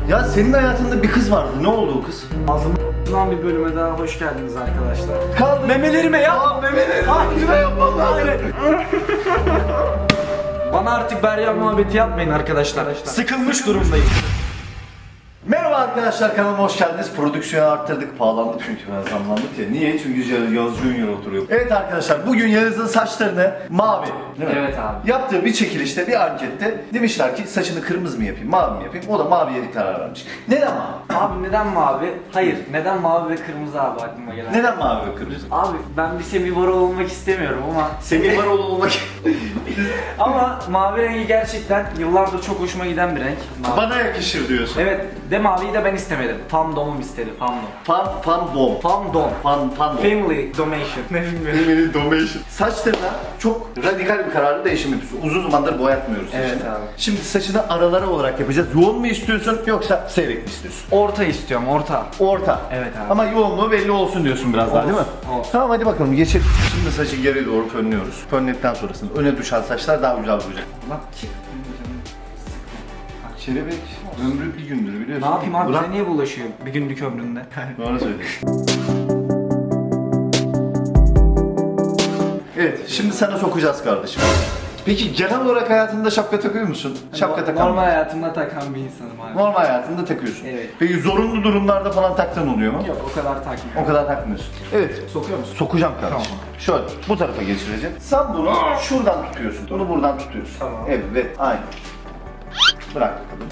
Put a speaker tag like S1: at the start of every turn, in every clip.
S1: Ya senin hayatında bir kız vardı. Ne oldu o kız?
S2: Ağzımdan bir bölüme daha hoş geldiniz arkadaşlar.
S1: Kaldı.
S2: Memelerime yap.
S1: Memelerime.
S2: Hayır yapma lan. Bana artık Beryan muhabbeti yapmayın arkadaşlar. Sıkılmış durumdayım.
S1: Merhaba arkadaşlar, kanalıma hoş geldiniz. Prodüksiyonu arttırdık, pahalandık çünkü ben zamlandık ya. Niye? Çünkü Yağız Junior oturuyor. Evet arkadaşlar, bugün Yağız'ın saçlarını mavi, değil mi?
S2: Evet abi.
S1: Yaptığı bir çekilişte, bir ankette demişler ki saçını kırmızı mı yapayım, mavi mi yapayım? O da maviye bir karar vermiş. Neden mavi?
S2: Abi neden mavi? Hayır. Neden mavi ve kırmızı abi aklıma gelen?
S1: Neden mavi ve kırmızı?
S2: Abi ben bir Semih Varol olmak istemiyorum ama
S1: Semih Varol olmak...
S2: ama mavi rengi gerçekten yıllardır çok hoşuma giden bir renk. Mavi.
S1: Bana yakışır diyorsun.
S2: Evet, de maviyi de ben istemedim. Fandom'um istedi, fandom.
S1: Fandom.
S2: Fandom.
S1: Fandom.
S2: Family Domation. Ne bilmiyorum.
S1: Family Domation. Saçlarına çok radikal bir kararlı değişim yapıyorsun. Uzun zamandır boyatmıyoruz
S2: Evet
S1: saçını.
S2: abi.
S1: Şimdi saçını aralara olarak yapacağız. Yoğun mu istiyorsun yoksa seyrek mi istiyorsun?
S2: Orta istiyorum, orta.
S1: Orta.
S2: Evet abi.
S1: Ama yoğunluğu belli olsun diyorsun biraz daha, değil mi?
S2: Olsun.
S1: Tamam, hadi bakalım geçelim. Şimdi saçı geri doğru fönlüyoruz. Fönledikten sonrasında öne düşen saçlar daha güzel duracak.
S2: Lan çık.
S1: Kelebek ömrü bir gündür biliyorsun.
S2: Ne yapayım abi,
S1: Bırak.
S2: bize niye bulaşıyor bir günlük ömründe?
S1: Doğru söylüyorsun. Evet, şimdi sana sokacağız kardeşim. Peki genel olarak hayatında şapka takıyor musun? Şapka takan.
S2: Normal hayatımda takan bir insanım abi.
S1: Normal hayatında takıyorsun.
S2: Evet.
S1: Peki zorunlu durumlarda falan taktığın oluyor mu?
S2: Yok, o kadar takmıyorum.
S1: O kadar takmıyorsun. Evet.
S2: Sokuyor musun?
S1: Sokacağım kardeşim.
S2: Tamam.
S1: Şöyle bu tarafa geçireceğim. Sen bunu şuradan tutuyorsun. Bunu buradan tutuyorsun.
S2: Tamam.
S1: Evet, aynı. Bırak bakalım.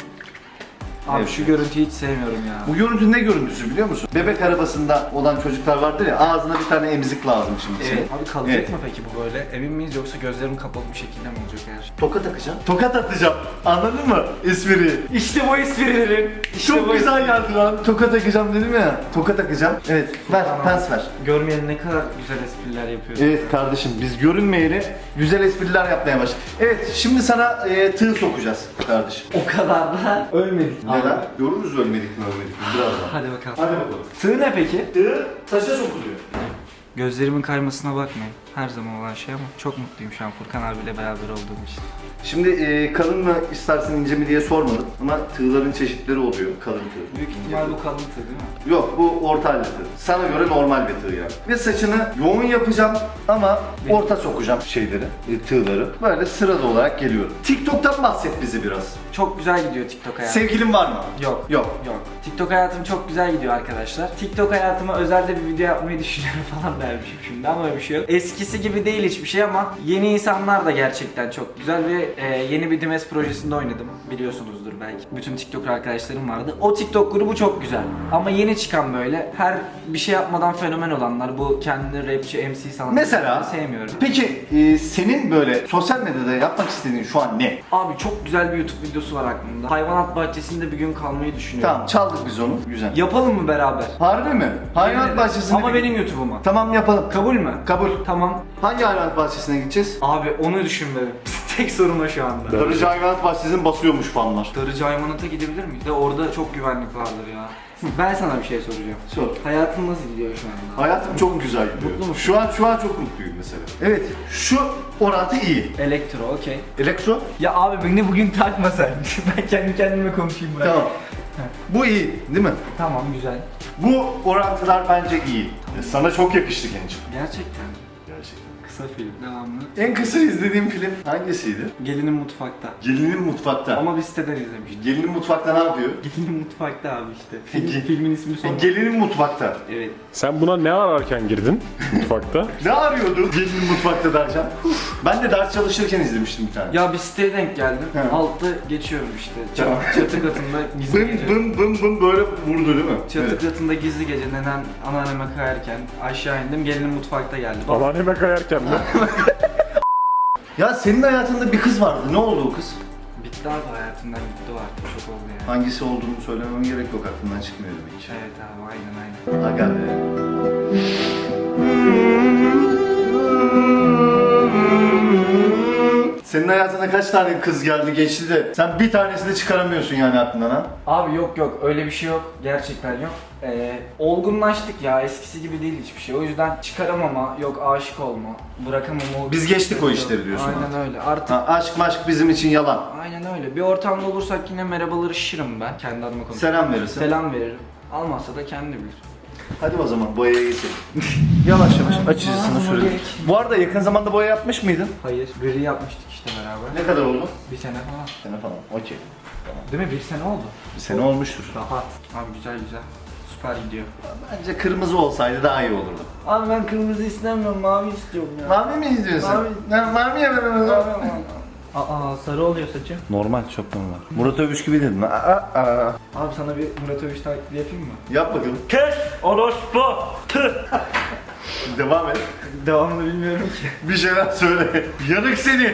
S2: Abi
S1: Evet.
S2: şu görüntüyü hiç sevmiyorum ya.
S1: Bu görüntü ne görüntüsü biliyor musun? Bebek arabasında olan çocuklar vardır ya, ağzına bir tane emzik lazım şimdi senin.
S2: Evet. Abi kalacak
S1: Evet.
S2: mı peki bu böyle? Emin miyiz yoksa gözlerim kapalı bir şekilde mi olacak her şey?
S1: Tokat takacağım. Tokat atacağım. Anladın mı espriyi?
S2: İşte bu esprilerin.
S1: Çok güzel geldi lan. Tokat takacağım dedim ya. Tokat takacağım. Evet, ver,
S2: Tamam.
S1: pens ver.
S2: Görmeyen ne kadar güzel espriler yapıyorsun.
S1: Evet kardeşim, biz görünmeyeli güzel espriler yapmaya başladık. Evet, şimdi sana tığ sokacağız kardeşim.
S2: O kadar da ölmedik.
S1: Neden? Görürüz ölmedik mi birazdan.
S2: Hadi bakalım.
S1: Hadi bakalım.
S2: Tığ ne peki?
S1: Tığ taşa sokuluyor.
S2: Gözlerimin kaymasına bakmayın. Her zaman olan şey ama çok mutluyum şu an Furkan abiyle beraber olduğum için.
S1: Şimdi kalın mı istersen ince mi diye sormadım ama tığların çeşitleri oluyor, kalın tığ.
S2: Büyük ihtimal bu kalın tığ değil mi?
S1: Yok, bu orta halde tığ. Sana göre normal bir tığ yani. Ve saçını yoğun yapacağım ama orta sokacağım şeyleri, tığları. Böyle sırada olarak geliyorum. TikTok'tan bahset bizi biraz.
S2: Çok güzel gidiyor TikTok hayatım.
S1: Sevgilin var mı?
S2: Yok.
S1: Yok.
S2: Yok. TikTok hayatım çok güzel gidiyor arkadaşlar. TikTok hayatıma özelde bir video yapmayı düşünüyorum falan dermişim şimdi ama öyle bir şey yok. Eskisi gibi değil hiçbir şey ama yeni insanlar da gerçekten çok güzel ve yeni bir Dimes projesinde oynadım. Biliyorsunuzdur belki. Bütün TikTok arkadaşlarım vardı. O TikTok grubu çok güzel. Ama yeni çıkan böyle her bir şey yapmadan fenomen olanlar, bu kendini rapçi, MC sanatçı
S1: Mesela?
S2: sevmiyorum.
S1: Peki senin böyle sosyal medyada yapmak istediğin şu an ne?
S2: Abi çok güzel bir YouTube videosu var aklımda. Hayvanat bahçesinde bir gün kalmayı düşünüyorum.
S1: Tamam, çaldık biz onu. Güzel.
S2: Yapalım mı beraber?
S1: Harbi mi? Hayvanat bahçesine...
S2: Ama benim YouTube'uma.
S1: Tamam, yapalım.
S2: Kabul mü?
S1: Kabul.
S2: Tamam.
S1: Hangi hayvanat bahçesine gideceğiz?
S2: Abi onu düşünmedim. Tek sorun o şu anda.
S1: Darıcı Hayvanat Bahçesi'nin basıyormuş fanlar.
S2: Darıcı Hayvanat'a gidebilir miyiz? De orada çok güvenlik vardır ya. Ben sana bir şey soracağım.
S1: Sor.
S2: Hayatın nasıl gidiyor şu anda?
S1: Hayatım çok güzel gidiyor.
S2: Mutlu musun?
S1: Şu an çok mutluyum mesela. Evet, şu orantı iyi.
S2: Elektro, okey.
S1: Elektro?
S2: Ya abi beni bugün takma sen. Ben kendi kendime konuşayım bırak.
S1: Tamam. Bu iyi, değil mi?
S2: Tamam, güzel.
S1: Bu orantılar bence iyi. Sana çok yakıştı gençim.
S2: Gerçekten.
S1: Gerçekten.
S2: Kısa film, devamlı.
S1: En kısa izlediğim film hangisiydi?
S2: Gelinin mutfakta.
S1: Gelinin Mutfakta.
S2: Ama biz siteden izlemiştik.
S1: Gelinin Mutfakta ne yapıyor?
S2: Gelinin mutfakta abi işte.
S1: Peki.
S2: Filmin ismi sonra.
S1: Gelinin Mutfakta.
S2: Evet.
S3: Sen buna ne ararken girdin mutfakta?
S1: Ne arıyordu Gelinin Mutfakta derken? Ben de ders çalışırken izlemiştim bir tane.
S2: Ya bir siteye denk geldim.
S1: He.
S2: Altta geçiyorum işte.
S1: Tamam.
S2: Çatı katında gizli
S1: Bım
S2: gece.
S1: bım bım bım böyle vurdu değil mi?
S2: Çatı
S1: Evet.
S2: katında gizli gece neden anneanneme kayarken aşağı indim, gelinin mutfakta geldi.
S3: Anneanneme kayarken mi?
S1: Ya senin hayatında bir kız vardı. Ne oldu o kız?
S2: Bitti abi, hayatımdan gitti o artık, çok oldu yani.
S1: Hangisi olduğunu söylemem gerek yok, aklımdan çıkmıyor demek ki.
S2: Evet abi, aynen.
S1: Aga be. Senin hayatına kaç tane kız geldi geçti de sen bir tanesini çıkaramıyorsun yani aklından ha?
S2: Abi yok öyle bir şey yok. Gerçekten yok. Olgunlaştık ya, eskisi gibi değil hiçbir şey. O yüzden çıkaramama, yok aşık olma, bırakamama.
S1: Biz geçtik o işleri diyorsun
S2: Aynen öyle. Artık
S1: Ha, aşk maşk bizim için yalan.
S2: aynen öyle. Bir ortamda olursak yine merhabalaşırım ben. Kendi adıma konuşuyorum.
S1: Selam verirsin.
S2: Selam veririm. Almazsa da kendi bilir.
S1: Hadi o zaman boyaya geçelim. Yavaş yavaş açıcısını sürelim.
S2: geç.
S1: Bu arada yakın zamanda boya yapmış mıydın?
S2: Hayır, gri yapmıştık işte beraber.
S1: Ne kadar oldu?
S2: Bir sene falan.
S1: Sene falan. Okey.
S2: Değil mi? Bir sene oldu.
S1: Bir sene olmuştur.
S2: Rahat. Abi güzel. Süper gidiyor.
S1: Bence kırmızı olsaydı daha iyi olurdu.
S2: Abi ben kırmızı istemiyorum, mavi istiyorum ya.
S1: Mavi mi izliyorsun? Mavi ya ben
S2: Aa, sarı oluyor saçım.
S1: Normal, çok normal. Murat Övüş gibi dedin.
S2: Abi sana bir Murat Övüş taklidi yapayım mı?
S1: Yap bakalım.
S2: Kes orospu.
S1: Devam et.
S2: Devamını bilmiyorum ki.
S1: Bir şeyler söyle. Yanık seni.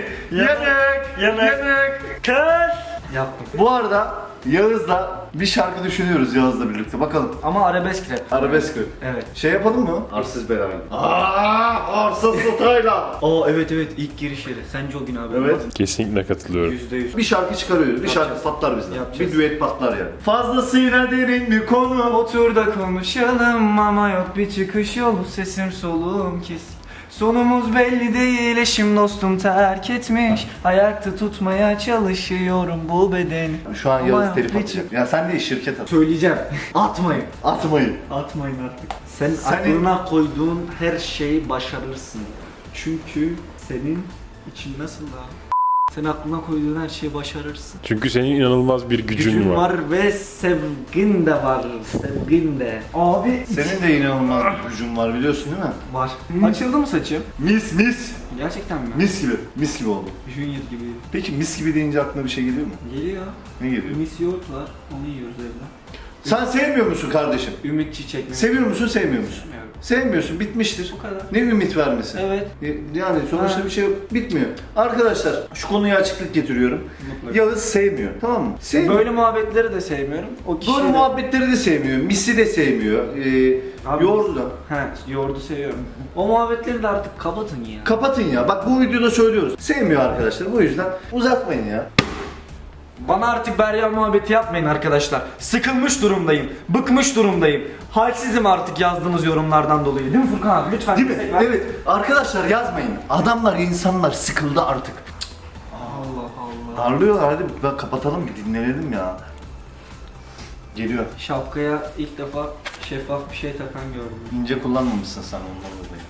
S1: Yanık.
S2: Kes. Yaptım.
S1: Bu arada Yağız'la bir şarkı düşünüyoruz Yağız'la birlikte. Bakalım.
S2: Ama arabesk rap.
S1: Arabesk mi?
S2: Evet.
S1: Şey yapalım mı? Arsız belayı. Arsız Style'a.
S2: Aa evet ilk giriş yeri. Sence o gün abi?
S1: Evet.
S3: Kesinlikle katılıyorum.
S2: %100.
S1: Bir şarkı çıkarıyoruz. Bir şarkı
S2: Yapacağız.
S1: patlar bizden.
S2: Yapacağız.
S1: Bir düet patlar yani. Fazlasıyla derin bir konu.
S2: Otur da konuşalım ama yok bir çıkış yolu, sesim soluğum kesik. Sonumuz belli değil, eşim dostum terk etmiş. Ayakta tutmaya çalışıyorum bu bedeni.
S1: Şu an
S2: Ama
S1: Yağız
S2: yok,
S1: telif
S2: bir
S1: atacak. Ya sen de şirket at.
S2: Söyleyeceğim. Atmayın.
S1: Atmayın.
S2: Atmayın artık.
S4: Sen
S1: Senin-
S4: aklına koyduğun her şeyi başarırsın. Çünkü senin için nasıl daha? Sen aklına koyduğun her şeyi başarırsın.
S3: Çünkü senin inanılmaz bir gücün var.
S4: ve sevgin de var. Sevgin de.
S2: Abi
S1: Senin de inanılmaz bir gücün var biliyorsun değil mi?
S4: Var.
S2: açıldı mı saçım?
S1: Mis.
S4: Gerçekten mi?
S1: Mis gibi. Mis gibi oldu.
S4: Junior gibi.
S1: Peki mis gibi deyince aklına bir şey geliyor mu?
S4: Geliyor.
S1: Ne geliyor?
S4: Mis yoğurt var. Onu yiyoruz evde.
S1: Sen sevmiyor musun kardeşim?
S4: Ümit çiçek mi?
S1: Seviyor musun, sevmiyor musun?
S4: Sevmiyorum.
S1: Sevmiyorsun, bitmiştir.
S4: Bu kadar.
S1: Ne ümit vermesi?
S4: Evet.
S1: Yani sonuçta
S4: Ha.
S1: bir şey yok, bitmiyor. Arkadaşlar şu konuya açıklık getiriyorum.
S4: Mutlaka.
S1: Yağız sevmiyor, tamam mı? Sevmiyor.
S2: Böyle muhabbetleri de sevmiyorum. O kişiyi
S1: Böyle
S2: de-
S1: muhabbetleri de sevmiyor, misi de sevmiyor,
S2: Abi-
S1: yoğurdu da.
S2: He, yoğurdu seviyorum.
S4: O muhabbetleri de artık kapatın ya.
S1: Kapatın ya, bak bu videoda söylüyoruz. Sevmiyor arkadaşlar, bu yüzden uzatmayın ya.
S2: Bana artık Berya muhabbeti yapmayın arkadaşlar. Sıkılmış durumdayım. Bıkmış durumdayım. Halsizim artık yazdığınız yorumlardan dolayı. Değil mi Furkan abi? Lütfen.
S1: Değil mi?
S2: destek ver.
S1: Evet. Arkadaşlar yazmayın. Adamlar, insanlar sıkıldı artık.
S4: Allah Allah.
S1: Darlıyorlar, hadi ben kapatalım bir dinlenelim ya. Geliyor.
S4: Şapkaya ilk defa şeffaf bir şey takan gördüm.
S1: İnce kullanmamışsın sen ondan dolayı.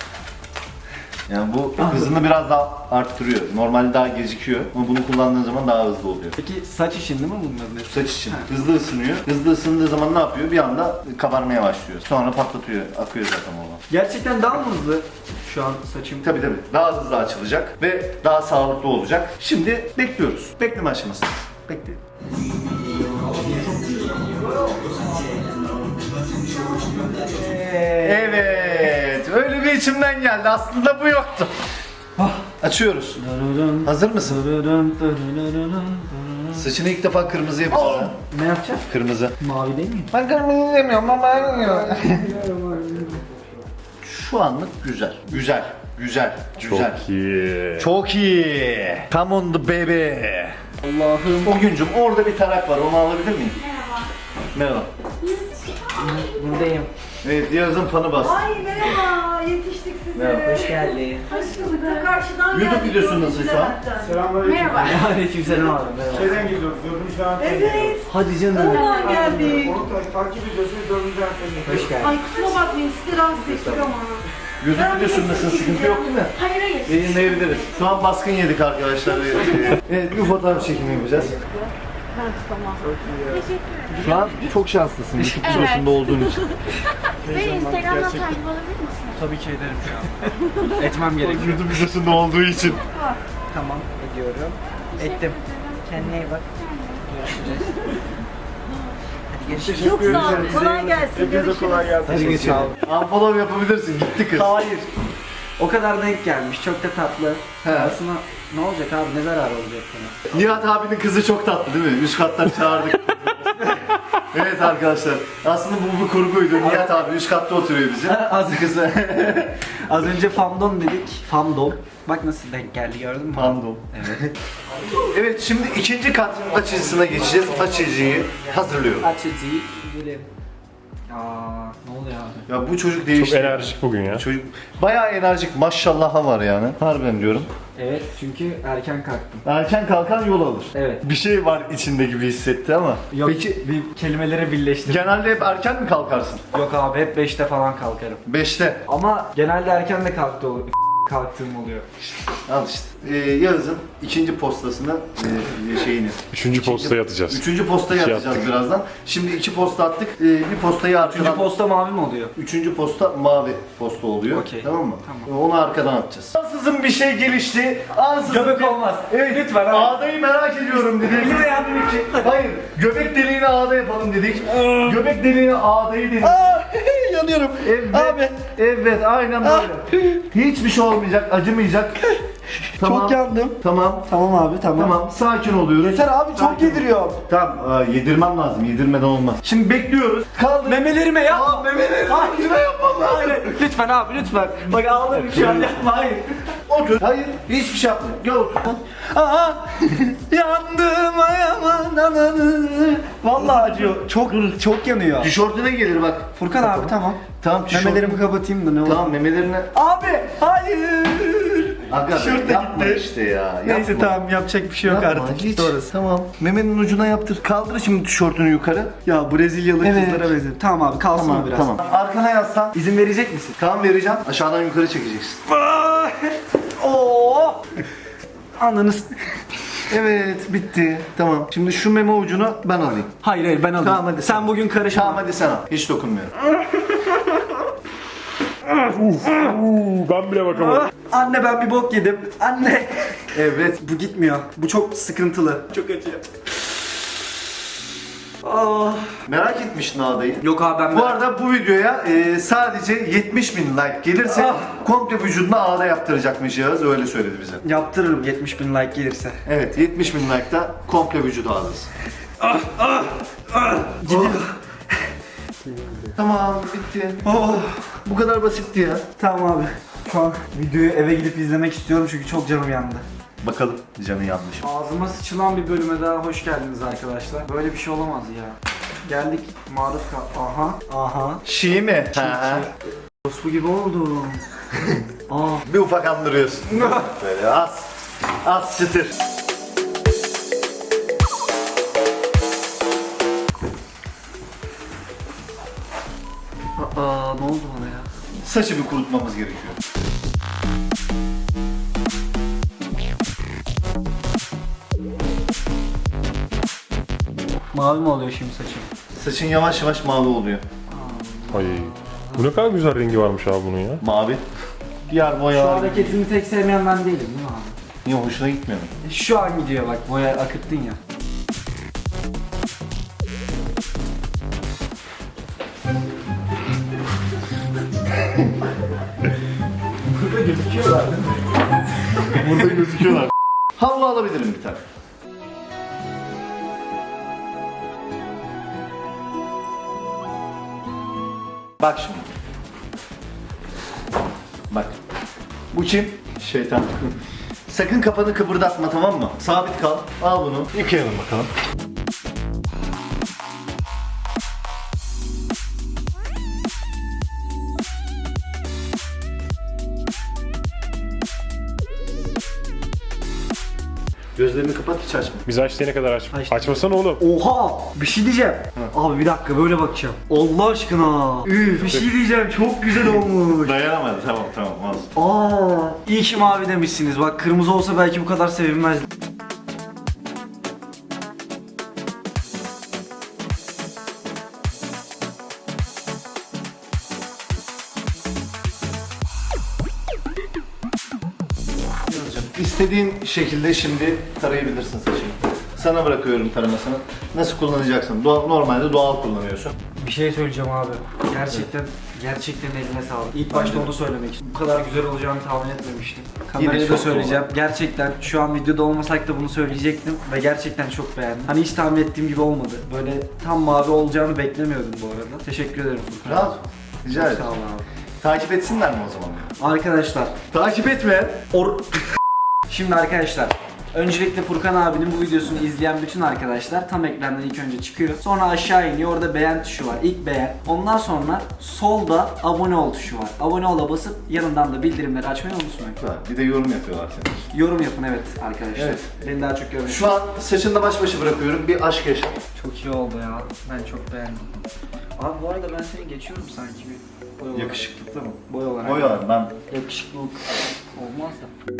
S1: Yani bu hızını biraz daha arttırıyor. Normalde daha gecikiyor ama bunu kullandığın zaman daha hızlı oluyor.
S4: Peki saç için değil mi bunların hepsi?
S1: Saç için hızlı ısınıyor. Hızlı ısındığı zaman ne yapıyor? Bir anda kabarmaya başlıyor. Sonra patlatıyor. Akıyor zaten o.
S4: Gerçekten daha mı hızlı şu an saçım?
S1: Tabii. Daha hızlı açılacak ve daha sağlıklı olacak. Şimdi bekliyoruz. Bekleme aşamasındayız. Bekleyin. Evet. Öyle bir içimden geldi. Aslında bu yoktu. Açıyoruz. Hazır mısın? Saçını ilk defa kırmızı yapacağız. ha.
S4: Ne yapacağız?
S1: Kırmızı.
S4: Mavi değil mi?
S1: Ben kırmızı demiyorum ama ben Şu anlık güzel. Güzel.
S3: Çok iyi.
S1: Çok iyi. Come on the baby.
S4: Allah'ım.
S1: O güncüm orada bir tarak var. Onu alabilir miyim? Merhaba.
S4: Buradayım.
S1: Evet, Yağız'ın fanı bastı.
S5: Ay merhaba, yetiştik size.
S1: Merhaba.
S4: Hoş geldin.
S5: Hoş bulduk. Karşıdan
S1: YouTube
S5: geldik,
S1: videosu nasıl şu an?
S5: hatta. Merhaba.
S4: Aleykümselam abi. Merhaba.
S6: Şeyden geliyoruz, dördüncü an
S5: Evet,
S4: Hadi canım.
S5: oradan geldik.
S6: Onu takip ediyoruz ve dördüncü an
S4: Hoş geldin.
S5: Ay kusura bakmayın, sizi rahatsız ettik ama.
S1: YouTube videosundasın, sıkıntı yok değil mi?
S5: Hayır hayır.
S1: Yayınlayabiliriz. Şu an baskın yedik arkadaşlar. Evet, bir fotoğraf çekimi yapacağız.
S5: Tamam. Teşekkür ederim.
S1: Şu an çok şanslısın YouTube videosunda olduğun için.
S5: Ve Instagram'dan takip alabilir misiniz?
S2: Tabii ki ederim şu an. Etmem gerekiyor.
S1: YouTube videosunda olduğu için.
S2: Tamam, ediyorum. Ettim. Kendine iyi bak. Görüşürüz.
S5: Çok sağ olun, kolay gelsin.
S6: Hepinize kolay gelsin.
S2: Hadi geçelim.
S1: Unfollow yapabilirsin, gitti kız.
S2: Hayır. O kadar denk gelmiş. Çok da tatlı.
S1: He.
S2: Aslında ne olacak abi? Ne zararı olacak bana?
S1: Nihat abinin kızı çok tatlı değil mi? Üst kattan çağırdık. Evet arkadaşlar. Aslında bu bir kurguydu. Nihat abi üst katta oturuyor bizim.
S2: Az önce famdom dedik. Famdom. Bak nasıl denk geldi gördün mü?
S1: Fandom.
S2: Evet.
S1: Evet şimdi ikinci kat açıcısına geçeceğiz. Açıcıyı hazırlıyorum.
S2: Açıcıyı gidelim. Aa, ne oluyor abi?
S1: Ya bu çocuk
S3: Çok
S1: değişti.
S3: enerjik bugün ya.
S1: Çocuk bayağı enerjik maşallah'a var yani. Harbiden diyorum.
S2: Evet çünkü erken kalktım.
S1: Erken kalkan yol alır.
S2: Evet.
S1: Bir şey var içinde gibi hissetti ama.
S2: Yok,
S1: Peki
S2: bir kelimeleri birleştirdim.
S1: genelde hep erken mi kalkarsın?
S2: Yok abi hep 5'te falan kalkarım.
S1: 5'te.
S2: Ama genelde erken de kalktığım oluyor.
S1: Al işte. Yağız'ın ikinci postasını şeyini.
S3: Üçüncü postaya atacağız.
S1: Üçüncü postayı
S3: Şey
S1: atacağız birazdan. Şimdi iki posta attık. Bir postayı arkadan.
S2: Üçüncü posta mavi mi oluyor?
S1: Üçüncü posta mavi posta oluyor.
S2: Okey.
S1: Tamam mı?
S2: Tamam.
S1: Onu arkadan atacağız. Ansızın bir şey gelişti. Ansızın
S2: Göbek
S1: bir...
S2: olmaz.
S1: Evet.
S2: Lütfen abi.
S1: Ağdayı merak ediyorum dedik.
S2: Elime yardım edecek.
S1: Hayır. Göbek deliğine ağda yapalım dedik. Göbek deliğine ağdayı dedik.
S2: Yanıyorum.
S1: Evet.
S2: Abi.
S1: Evet aynen böyle. Hiçbir şey olmayacak, acımayacak. Tamam.
S2: Çok yandım.
S1: Tamam.
S2: Tamam abi
S1: Tamam, sakin oluyoruz.
S2: Yeter abi çok
S1: Sakin.
S2: yediriyor.
S1: Tamam, yedirmem lazım. Yedirmeden olmaz. Şimdi bekliyoruz. Kaldır.
S2: Memelerime yap.
S1: Aa, memelerime yapmam lazım.
S2: Hayır. Lütfen abi lütfen. Bak ağlarım şu an yapma hayır.
S1: Otur. Hayır, hiçbir şey yapma. Gel otur.
S2: Aa, yandım ayağımın ananı. Vallahi acıyor. Çok yanıyor.
S1: Tişörtüne gelir bak.
S2: Furkan abi tamam.
S1: Tamam, tişört.
S2: Memelerimi kapatayım da ne olur.
S1: Tamam, memelerine.
S2: Abi hayır.
S1: Aga
S2: Tişört de
S1: yapma
S2: gitti.
S1: işte ya.
S2: Neyse
S1: yapma.
S2: tamam yapacak bir şey yok
S1: Yapma,
S2: artık.
S1: hiç.
S2: Gitti orası.
S1: Tamam. Memenin ucuna yaptır. Kaldır şimdi tişörtünü yukarı.
S2: Ya Brezilyalı
S1: Evet.
S2: kızlara benziyor. Tamam abi kalsın
S1: Tamam,
S2: o biraz.
S1: tamam. Arkana yaslan.
S2: İzin verecek misin?
S1: Tamam vereceğim. Aşağıdan yukarı çekeceksin.
S2: Oo! Ananız.
S1: Evet, bitti. Tamam. Şimdi şu meme ucunu ben alayım.
S2: Hayır ben alayım.
S1: Tamam, hadi
S2: sen bugün karışma.
S1: Tamam hadi sen al. Hiç dokunmuyorum.
S3: Ben bile bakamadım.
S2: Anne ben bir bok yedim. Anne.
S1: Evet.
S2: Bu gitmiyor. Bu çok sıkıntılı. Çok acıyor. Ah.
S1: Merak etmiştin ağdayı.
S2: Yok abi ben
S1: Bu arada bu videoya sadece 70.000 like gelirse komple vücuduna ağda yaptıracakmış Yağız. Öyle söyledi bize.
S2: yaptırırım 70.000 like gelirse.
S1: Evet 70.000 like'da komple vücut ağdası.
S2: Gidiyor.
S1: Tamam bitti.
S2: Oh.
S1: Bu kadar basitti ya.
S2: Tamam abi. Şu an videoyu eve gidip izlemek istiyorum çünkü çok canım yandı.
S1: Bakalım canı yanlış.
S2: Ağzıma sıçılan bir bölüme daha hoş geldiniz arkadaşlar. Böyle bir şey olamaz ya. Geldik maruz kal. Aha.
S1: Şii mi? Ha.
S2: Tospu gibi oldu. Aa.
S1: Bir ufak andırıyorsun. Böyle az çıtır.
S2: Aa ne oldu bana ya?
S1: Saçı bir kurutmamız gerekiyor.
S2: Mavi mi oluyor şimdi saçım?
S1: Saçın yavaş yavaş mavi oluyor.
S3: Ay. Bu ne kadar güzel rengi varmış abi bunun ya.
S1: Mavi. Diğer
S2: Şu
S1: boyalar
S2: hareketini tek sevmeyen ben değilim değil mi abi?
S1: niye hoşuna gitmiyor mu?
S2: Şu an gidiyor bak boya akıttın ya.
S1: Burada gözüküyorlar değil mi? Burada gözüküyorlar. Havlu alabilirim bir tane. Bak şimdi. Bak. Bu kim? Şeytan. Sakın kafanı kıpırdatma tamam mı? Sabit kal. Al bunu. Yıkayalım bakalım. Gözlerini kapat hiç açma.
S3: Biz açtığına kadar aç.
S2: Açtım.
S3: Açmasana oğlum.
S2: Oha! Bir şey diyeceğim. Abi bir dakika böyle bakacağım. Allah aşkına. Üf bir şey diyeceğim çok güzel olmuş.
S1: Dayanamadı tamam olmaz.
S2: Aa, iyi ki mavi demişsiniz. Bak kırmızı olsa belki bu kadar sevilmezdi.
S1: İstediğin şekilde şimdi tarayabilirsin saçını. Sana bırakıyorum taramasını. Nasıl kullanacaksın? Normalde doğal kullanıyorsun.
S2: Bir şey söyleyeceğim abi. Gerçekten eline sağlık. İlk başta onu söylemek istedim. Bu kadar güzel olacağını tahmin etmemiştim. Kameraya da
S1: çok
S2: söyleyeceğim. Gerçekten şu an videoda olmasak da bunu söyleyecektim ve gerçekten çok beğendim. Hani hiç tahmin ettiğim gibi olmadı. Böyle tam mavi olacağını beklemiyordum bu arada. Teşekkür ederim Furkan.
S1: Rahat. Rica
S2: Çok
S1: ederim.
S2: sağ ol abi.
S1: Takip etsinler mi o zaman?
S2: Arkadaşlar,
S1: Takip etme.
S2: şimdi arkadaşlar öncelikle Furkan abinin bu videosunu izleyen bütün arkadaşlar tam ekrandan ilk önce çıkıyor. Sonra aşağı iniyor. Orada beğen tuşu var. İlk beğen. Ondan sonra solda abone ol tuşu var. Abone ol'a basıp yanından da bildirimleri açmayı unutmayın.
S1: Bir de yorum yapıyorlar senin.
S2: Yorum yapın evet arkadaşlar.
S1: Evet.
S2: Beni daha çok görmek.
S1: Şu an saçında baş başa bırakıyorum. Bir aşk yaşa.
S2: Çok iyi oldu ya. Ben çok beğendim. Abi bu arada ben seni geçiyorum sanki bir boy olarak.
S1: Yakışıklıkta mı?
S2: Boy olarak.
S1: Boy var ben.
S2: Yakışıklılık olmaz da.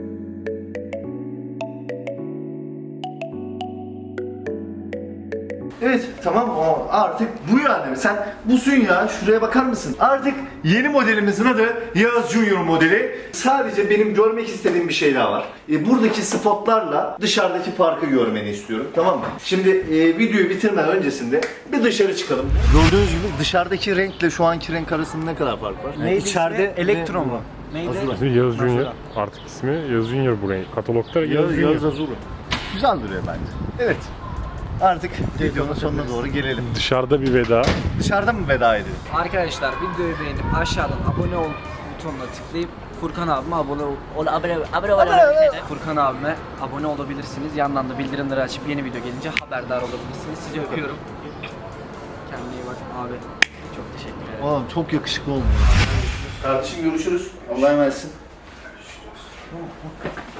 S1: Evet tamam o artık bu yani sen busun ya şuraya bakar mısın? Artık yeni modelimizin adı Yağız Junior modeli. Sadece benim görmek istediğim bir şey daha var. Buradaki spotlarla dışarıdaki farkı görmeni istiyorum tamam mı? Şimdi videoyu bitirmeden öncesinde bir dışarı çıkalım. Gördüğünüz gibi dışarıdaki renkle şu anki renk arasında ne kadar fark var?
S2: Neydi ismi? Elektro mu? Neydi?
S1: Azura.
S3: İsmi Yağız Junior. Artık ismi Yağız Junior bu renk. Katalogda Yağız Junior.
S1: Yağız Azura. Güzel duruyor bence. Evet. Artık videonun sonuna doğru gelelim.
S3: Dışarıda bir veda.
S1: Dışarıda mı veda ediyoruz?
S2: Arkadaşlar videoyu beğenip aşağıdan abone ol butonuna tıklayıp Furkan abime abone Furkan abime abone olabilirsiniz. Yandan da bildirimleri açıp yeni video gelince haberdar olabilirsiniz. Sizi öpüyorum. Kendine iyi bak abi. Çok teşekkür ederim.
S1: Oğlum çok yakışıklı oldun. Kardeşim görüşürüz. Allah'a emanetsin.